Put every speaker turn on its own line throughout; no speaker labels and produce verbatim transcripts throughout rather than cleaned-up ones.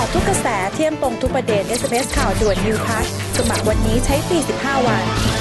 ะทุกกระแสเที่ยมตรงทุกประเด็น เอส เอ็ม เอส ข่าวด่วน New Plus สมัครวันนี้ใช้ฟรีสิบห้าวัน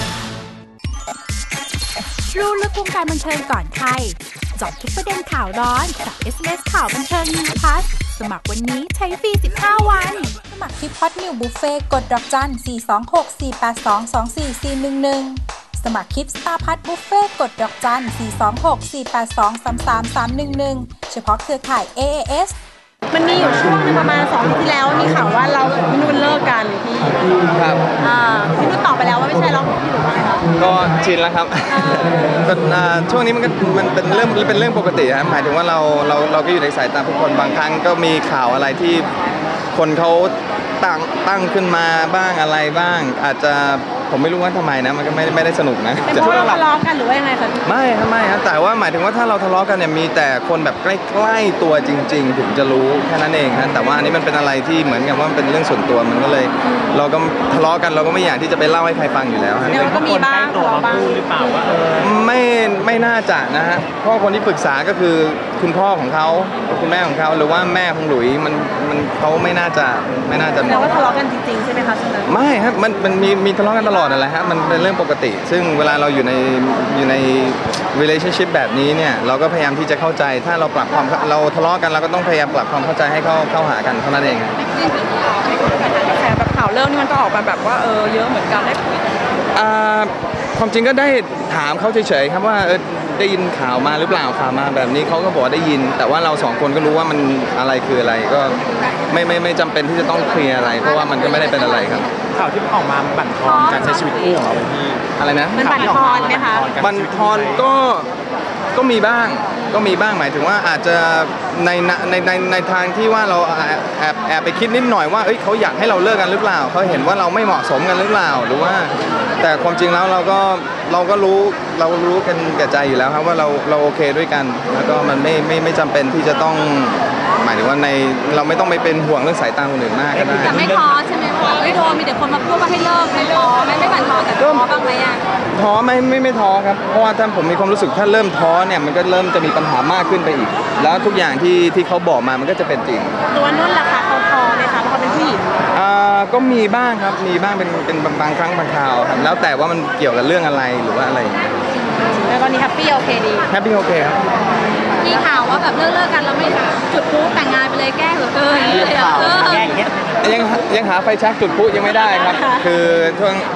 รู้ลึกวงการบันเทิงก่อนใครเจาะทุกประเด็นข่าวร้อนกับ เอส เอ็ม เอส ข่าวบันเทิง New Plus สมัครวันนี้ใช้ฟรีสิบห้าวันสมัครที่พอดนิวบุฟเฟ่กดดอกจันสี่ สอง หก สี่ แปด สอง สอง สี่ สี่ หนึ่ง หนึ่งสมัครคลิปสตาร์พัทบุฟเฟ่กดดอกจันสี่ สอง หก สี่ แปด สอง สาม สาม สาม หนึ่ง หนึ่งเฉพาะเครือข่าย เอ เอ เอส
มันมีอยู่ช่วงนึงประมาณสองอาทิตย์ที่แล้วมีข่าวว่าเราพี่นุ่นเลิกกันพี่
ครับ
อ่าพี่นุ่นตอบไปแล้วว่าไม่ใช่แล้วพี่หรือว่าไงคะ
ก็ชินแล้วครับเป็นช่วงนี้มันก็มันเป็นเรื่องเป็นเรื่องปกติครับหมายถึงว่าเราเราเราก็อยู่ในสายตาผู้คนบางครั้งก็มีข่าวอะไรที่คนเขาตั้งตั้งขึ้นมาบ้างอะไรบ้างอาจจะผมไม่รู้ว่าทำไมนะมันก็ไม่ไม่ได้สนุกนะ
เป็นเพราะเราทะเลาะกันหรือว่ายังไงคะ
ไม่ครับไม่ครับแต่ว่าหมายถึงว่าถ้าเราทะเลาะกันเนี่ยมีแต่คนแบบใกล้ๆตัวจริงๆถึงจะรู้แค่นั้นเองฮะแต่ว่าอันนี้มันเป็นอะไรที่เหมือนกับว่ามันเป็นเรื่องส่วนตัวมันก็เลย เราก็ทะเลาะกันเราก็ไม่อยากที่จะไปเล่าให้ใครฟังอยู่แล้วฮะ
ก็มีบ้างทะเลาะบ้างหรือเปล่าว่า
ไม่ไม่น่าจะนะฮะเพราะคนที่ปรึกษาก็คือคุณพ่อของเขาคุณแม่ของเขาหรือว่าแม่ของหลุยมันมันเขาไม่น่าจะไม่น่าจะ
แล้วว่าทะเลาะกันจริงๆใช่ไหมคะ
ไม่ครับมันมันมีมีทะเลาะกันตลอดอะไรฮะมันเป็นเรื่องปกติซึ่งเวลาเราอยู่ในอยู่ใน relationship แบบนี้เนี่ยเราก็พยายามที่จะเข้าใจถ้าเราปรับความเราทะเลาะกันเราก็ต้องพยายามปรับความเข้าใจให้เข้าเข้าหากันเท่านั้นเอง
แต่แบบข่าวเรื่องนี้มันก็ออกมาแบบว่าเออเยอะเหมือนกันได้คุย
ความจริงก็ได้ถามเขาเฉยๆครับว่าเออได้ยินข่าวมาหรือเปล่าข่าวมาแบบนี้เขาก็บอกได้ยินแต่ว่าเราสองคนก็รู้ว่ามันอะไรคืออะไรก็ไม่ไม่ไม่จำเป็นที่จะต้องเคลียร์อะไรเพราะว่ามันก็ไม่ได้เป็นอะไรครับ
ข่าวที่ออกมาบั่นทอนการใช้ชีวิตคู่ของเราพี่
อะไรนะ
มันบั่นทอนไหมคะ
บั่นทอนก็ก็มีบ้างก็มีบ้างหมายถึงว่าอาจจะในในในในทางที่ว่าเราแอบแอบไปคิดนิดหน่อยว่าเอ้ยเขาอยากให้เราเลิกกันหรือเปล่าเขาเห็นว่าเราไม่เหมาะสมกันหรือเปล่าหรือว่าแต่ความจริงแล้วเราก็เราก็รู้เรารู้กันแก่ใจอยู่แล้วครับว่าเราเราโอเคด้วยกันแล้วก็มันไม่ไม่ไม่จำเป็นที่จะต้องหมายถึงว่าในเราไม่ต้องไปเป็นห่วงเรื่องสายตาคนอื่นมากก็ได้
แต่ไม่ท้อใช่ไหมว่าไม่โดนมีแต่คนมาพูดว่าให้เลิกไม่ท้อไม่ไม่บั่นทอนแต่ท้อบ้างไหมอ่ะ
ท้อไม่ไม่ไม่ท้อครับเพราะว่าถ้าผมมีความรู้สึกถ้าเริ่มท้อเนี่ยมันก็เริ่มจะมีปัญหามากขึ้นไปอีกแล้วทุกอย่างที่ที่เขาบอกมามันก็จะเป็นจริง
ตัวนุ่นล่ะคะเขาท้อไหมคะเพราะเขาเป็นผู้หญิง
อ่าก็มีบ้างครับมีบ้างเป็นเป็นบางครั้งบางคราวครับแล้วแต่ว่ามันเกี่ยวกับเรื่องอะไรหรือว่าอะไร
แล้วตอนนี้แฮปปี้โอเคดี
แฮปปี้โอเคครับ
มีข่าวว่าแบบเลิกเลิกกันแล้วไม่จุดพลุแต่งงานไปเลยแก้เหลือเกิน
แก้เงี้ย
ยังยังหาไฟชักจุดพลุยังไม่ได้ครับคือช่วง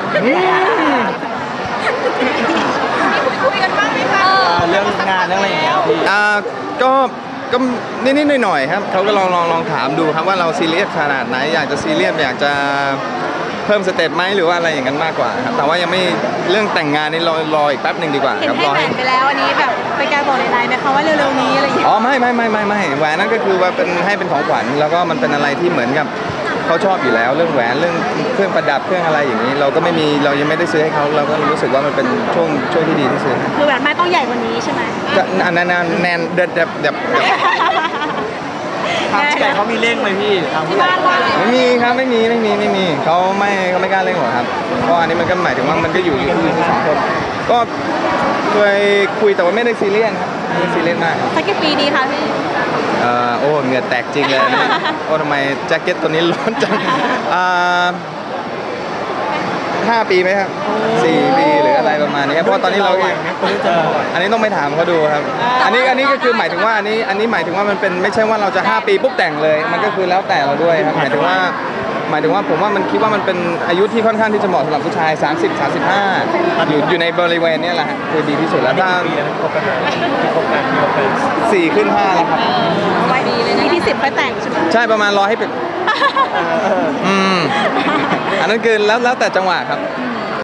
คุยกันบ้างไหมคะ
เรื่องงานเรื่องอะไรอย่างเงี้ยพี่
อ่าก็ก็นิดๆหน่อยๆครับเขาก็ลองลองลองถามดูครับว่าเราซีเรียสขนาดไหนอยากจะซีเรียสอยากจะเพิ่มสเต็ปไหมหรือว่าอะไรอย่างนั้นมากกว่าครับแต่ว่ายังไม่เรื่องแต่งงานนี่รอรออีกแป๊บหนึ่งดีกว่า
ครับรอให้ไปแล้วอันนี้แบบไปการบอกในไลน์นะคะว่าเร็วๆนี้อะไรอย่างเงี้ย
อ๋อไม่ไม่ไม่ไม่ไม่แหวนนั่นก็คือว่าเป็นให้เป็นของขวัญแล้วก็มันเป็นอะไรที่เหมือนกับเขาชอบอยู่แล้วเรื่องแหวนเรื่องเครื่องประดับเครื่องอะไรอย่างนี้เราก็ไม่มีเรายังไม่ได้ซื้อให้เขาเราก็รู้สึกว่ามันเป็นช่วงช่วงที่ดีที่สุด
คือแหวนไม่ต้องใหญ่กว่านี้ใช่ไหม
ก็อันนั้นแน่นเด็ดเด็ดเด็ด
ทางผู้ใหญ่เขามีเร่งไหมพี่ทางผู้ใหญ่
ไม่มีครับไม่มีไม่มีไม่มีเขาไม่เขาไม่กล้าเร่งหรอกครับเพราะอันนี้มันก็หมายถึงว่ามันก็อยู่อยู่ที่สองคนก็เคยคุยแต่ว่าไม่ได้ซีเรียสครับไม่ซีเรียสมาก
สักกี่ปีดีคะพี่
เอ่อโอ้เหงื่อแตกจริงเลยนะโอ้ทำไมแจ็คเก็ตตัวนี้ร้อนจังอ่าห้าปีไหมครับสี่ปีหรืออะไรประมาณนี้เพราะตอนนี้เราอันนี้ต้องไปถามเขาดูครับอันนี้อันนี้ก็คือหมายถึงว่าอันนี้อันนี้หมายถึงว่ามันเป็นไม่ใช่ว่าเราจะห้าปีปุ๊บแต่งเลยมันก็คือแล้วแต่เราด้วยครับหมายถึงว่าหมายถึงว่าผมว่ามันคิดว่ามันเป็นอายุที่ค่อนข้างที่จะเหมาะสำหรับผู้ชายสามสิบ สามสิบห้าอยู่อยู่ในบริเวณนี้แหละคือดีที่สุดแล้วถ้าสี่ขึ้นห้าแล้วครับ
ไว้ดีเลยนะที่สิบไปแต่งใช่ไหม
ใช่ประมาณรอให้เป็นอืมอันนั้นคือแล้วแล้วแต่จังหวะครับ